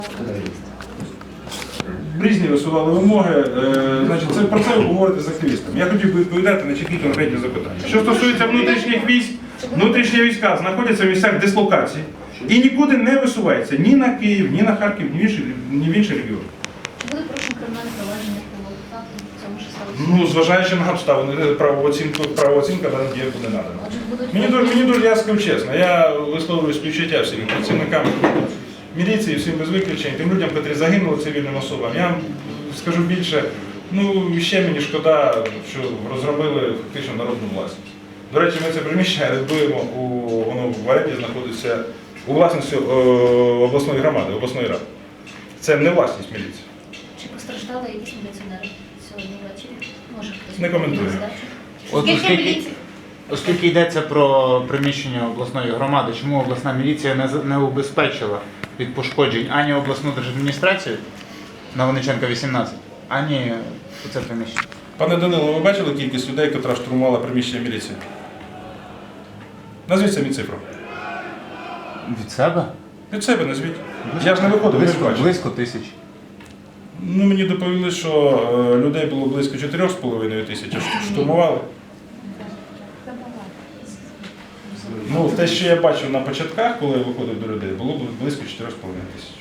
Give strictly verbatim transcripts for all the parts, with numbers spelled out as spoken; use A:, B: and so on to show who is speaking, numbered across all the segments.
A: Різні висували вимоги. Значить, це, про це ви говорите з активістами. Я хотів би відповідати на чіткі конкретні запитання. Що стосується внутрішніх військ, внутрішні війська знаходяться в місцях дислокації і нікуди не висуваються ні на Київ, ні на Харків, ні в інші, ні в інші регіони.
B: Чи були порушені кримінальне провадження по факту цьому що сталося?
A: Ну, зважаючи на обставини, правооцінка, правооцінка дана дія буде надана. Мені дуже, мені дуже, я скажу чесно, я висловлюю співчуття всім працівникам міліції, всім без виключень, тим людям, які загинули цивільним особам. Я вам скажу більше, ну, ще мені шкода, що розробили фактично народну власність. До речі, ми це приміщення рятуємо, у, воно в оренді знаходиться у власності о, обласної громади, обласної ради. Це не власність міліції.
B: Чи постраждали якісь міліціонери сьогодні ввечері? Може хтось
A: Не коментую.
C: От оскільки, оскільки йдеться про приміщення обласної громади, чому обласна міліція не, з- не убезпечила від пошкоджень ані обласну держадміністрацію на Винниченка вісімнадцять, ані це приміщення?
A: Пане Данило, ви бачили кількість людей, яка штурмувала приміщення міліції? Назвіть самі цифру.
C: Від себе?
A: Від себе назвіть. Я ж не виходив, ви ж
C: Близько,
A: бачите.
C: близько тисяч.
A: Ну, мені доповіли, що е, людей було близько чотирьох з половиною тисяч, а штурмували. Ну, те, що я бачив на початках, коли я виходив до людей, було близько чотирьох з половиною тисяч.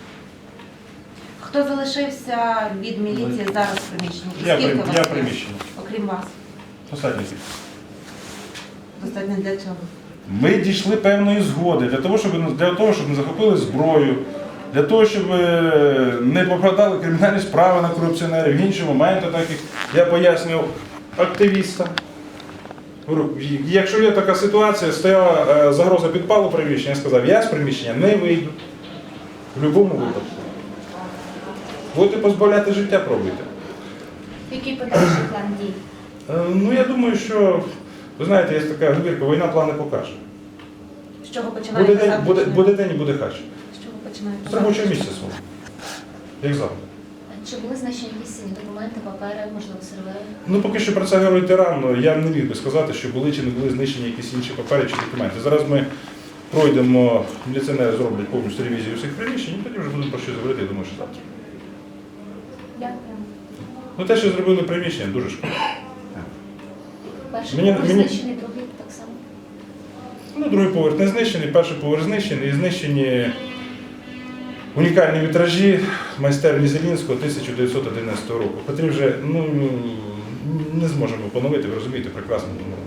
D: Хто залишився від міліції зараз в приміщенні? І
A: Я,
D: скільки
A: при-
D: вас
A: я
D: є?
A: приміщення.
D: Окрім вас.
A: Достатньо кількість.
D: Достатньо для чого?
A: Ми дійшли певної згоди для того, щоб, для того, щоб не захопили зброю, для того, щоб е, не покладали кримінальні справи на корупціонерів, в інші моменти, так як я пояснював активістам. Говорю, якщо є така ситуація, стояла е, загроза підпалу приміщення, я сказав, я з приміщення не вийду. В будь-якому випадку. Будете позбавляти життя, пробуйте.
B: Який подальший план дій?
A: Е, ну, я думаю, що, ви знаєте, є така говірка, війна плани покаже.
D: З чого починаєте?
A: Буде день, буде, буде день і буде хач.
D: З чого починаєте?
A: З робочого місця свого. Як завжди.
B: Чи були знищені якісь цінні документи, папери, можливо, сервери?
A: Ну, поки що про це говорити рано. Я не міг би сказати, що були чи не були знищені якісь інші папери чи документи. Зараз ми пройдемо, міліціонери зроблять повністю ревізію всіх приміщень, і тоді вже будемо про що говорити, я думаю, що завтра.
B: Дякую.
A: Ну, те, що зробили приміщення, дуже шкода.
B: Перший
A: Мені-
B: поверх
A: мені-
B: знищений, другий так само.
A: Ну, другий поверх не знищений, перший поверх знищений, і знищені унікальні вітражі майстерні Зелінського тисяча дев'ятсот одинадцятого року, котрі вже ну, не зможемо поновити, ви розумієте, прекрасно.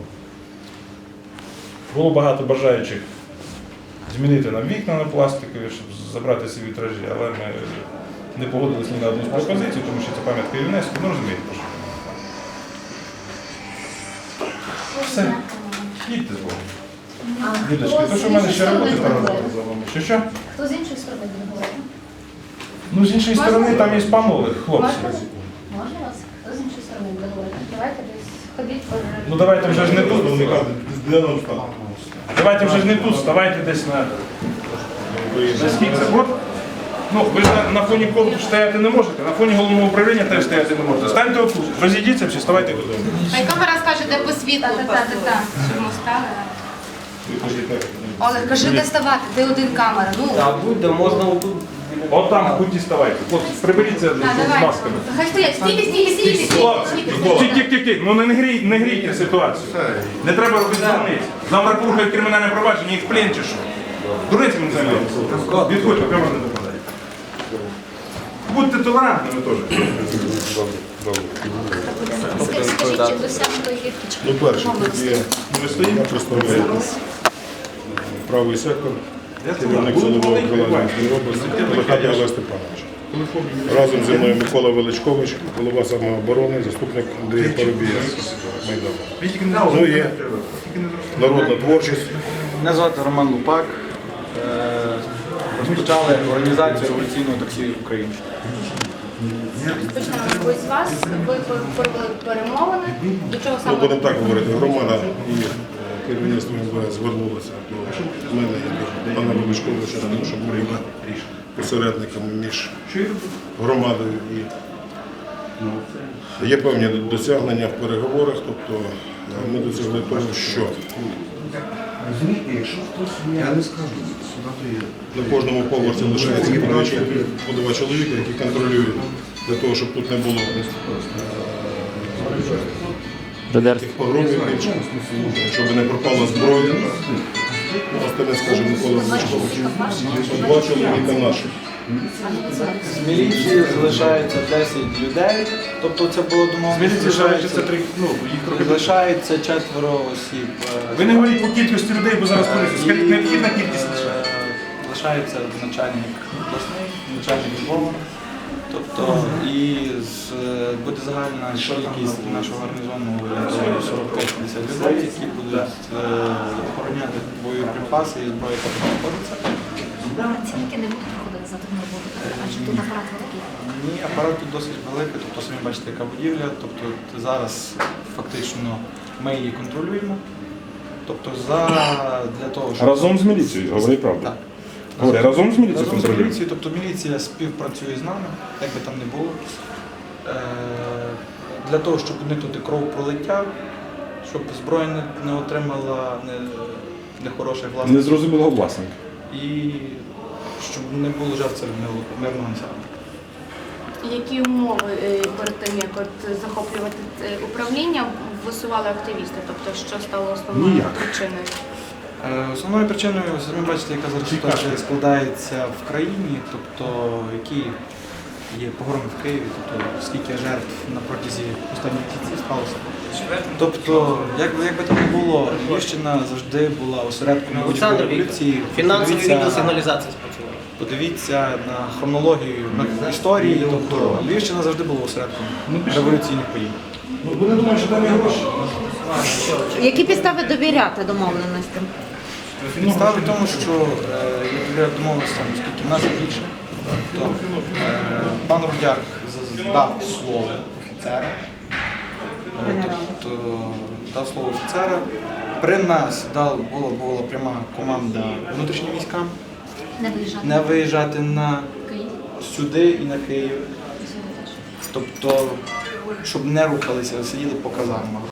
A: Було багато бажаючих змінити нам вікна на пластикові, щоб забрати ці вітражі, але ми не погодились ні на одну з пропозицій, тому що це пам'ятка ЮНЕСКО, ну розумієте, про що. Все. Їдьте з Богом.
B: А
A: Людочки,
B: хто
A: то
B: з
A: що в мене
B: іншої
A: ще
B: сторони
A: роботи
B: буде
A: там
B: говорити?
A: за вами. Що що?
B: Хто з іншої сторони буде говорити?
A: Ну, з іншої сторони там є спамові хлопці.
B: Можна? Можна вас? Хто з іншої сторони буде говорити? Давайте десь ходіть по...
A: Ну давайте вже ж не тут. Давайте вже ж не тут, ставайте десь на... на скільки це? От. Ну, ви ж на, на фоні корпусу стояти не можете, на фоні головного управління теж стояти не можете. Станьте отут, розійдіться всі, ставайте додому.
E: Хай камера скаже, де по світлу, та-та-та-та, щоб ми стали. Олег, кажи, де ставати, де один камера. Ну,
F: Так, будь-де, можна отут.
A: От там в куті ставайте. Хлопці, приберіться з,
E: а,
A: з
E: давай.
A: масками.
E: Хай стоять, стійте, стійте, стійте,
A: Хлопці,
E: стійте.
A: тік-тік-тік, ну не грій, не грійте ситуацію. Не треба робити дурниць. Завтра порухають кримінальне провадження, їх в плен чи що. Дурницями не займаються. Відходьте, камера не допадає. Будьте толерантними теж.
B: Скажіть, скажіть, чи досягнуто гірки, чи
G: Ну, перше, тут є
A: Ви стоїмо?
G: я представляю правий сектор, керівник силового управління області, Михайло Олег Степанович. Разом зі мною Микола Величкович, голова самооборони, заступник Андрій Парубія Майдану. Ну і народна творчість.
H: Мене звати Роман Лупак. Е, Розпочали організацію революційного таксі в Україні.
E: Почнемо ви з вас, ви провели перемовини, до чого
G: Ну,
E: саме?
G: будемо так говорити, громада і е, керівництво ем ве ес звернулося до мене і до пана Величковича, тому що ми є посередниками між громадою і є певні досягнення в переговорах, тобто е, ми досягли того, що
F: Розумієте, якщо хтось я не скажу, сюди то є.
G: На кожному поверсі лишається по два чоловіка, по два чоловіка, які контролюють для того, щоб тут не було таких погромів більше, щоб не пропала зброя. Остальне скаже Микола Величкович. Два чоловіка наші.
H: З міліції залишається десять людей, тобто це було домовлено.
A: З міліції залишиться три, ну, їх трохи більше.
H: Залишається четверо осіб. е,
A: Ви не говоріть по кількості людей, бо зараз поліція. Скажіть, необхідна кількість лише.
H: Е, Лишається начальник обласний, начальник Львова. Тобто і з, е, буде загальна кількість нашого гарнізону орієнтовно сорок п'ять-п'ятдесят людей, які будуть е, охороняти боєприпаси і зброю, яка тут знаходиться.
B: Працівники не будуть проходити за тим роботу, адже тут апарат великий.
H: Ні, апарат тут досить великий, тобто самі бачите, яка будівля. Тобто зараз фактично ми її контролюємо. Тобто за для того, щоб
A: Разом з міліцією, говори правду.
H: Так.
A: Говори, разом з міліцією
H: Разом з
A: контролюємо.
H: міліцією, тобто міліція співпрацює з нами, як би там не було. Е, Для того, щоб уникнути кровопролиття, щоб зброя не, не отримала не, нехороших власників.
A: Незрозумілого власника.
H: І щоб не було жертв серед мирного- мирного населення.
E: Які умови е, перед тим, як от захоплювати е, управління, висували активісти? Тобто, що стало основною
A: Ніяк.
E: причиною?
H: Е, Основною причиною, самі бачите, яка зараз ситуація складається в країні, тобто які є погроми в Києві, тобто скільки жертв на протязі останніх місяців сталося. Тобто, як, би- як би там не було, Львівщина завжди була осередком
I: Олександр
H: будь-якої
I: Вікторович,
H: поліції.
I: фінансовий
H: Подивіться-
I: відділ сигналізації спрацював.
H: Подивіться на хронологію на історії, тобто Львівщина завжди була осередком революційних подій.
A: Ну, вони думають, що там є гроші.
D: Які підстави довіряти домовленостям?
H: Підстави в тому, що е, я домовився, оскільки в нас більше, то е, пан Рудяк з- дав слово офіцера, е, тобто дав слово офіцера. При нас дав, була, була пряма команда внутрішнім військам
B: Не виїжджати.
H: не виїжджати на
B: Київ.
H: сюди і на Київ.
B: І сюди теж.
H: Тобто, щоб не рухалися, сиділи по казармах.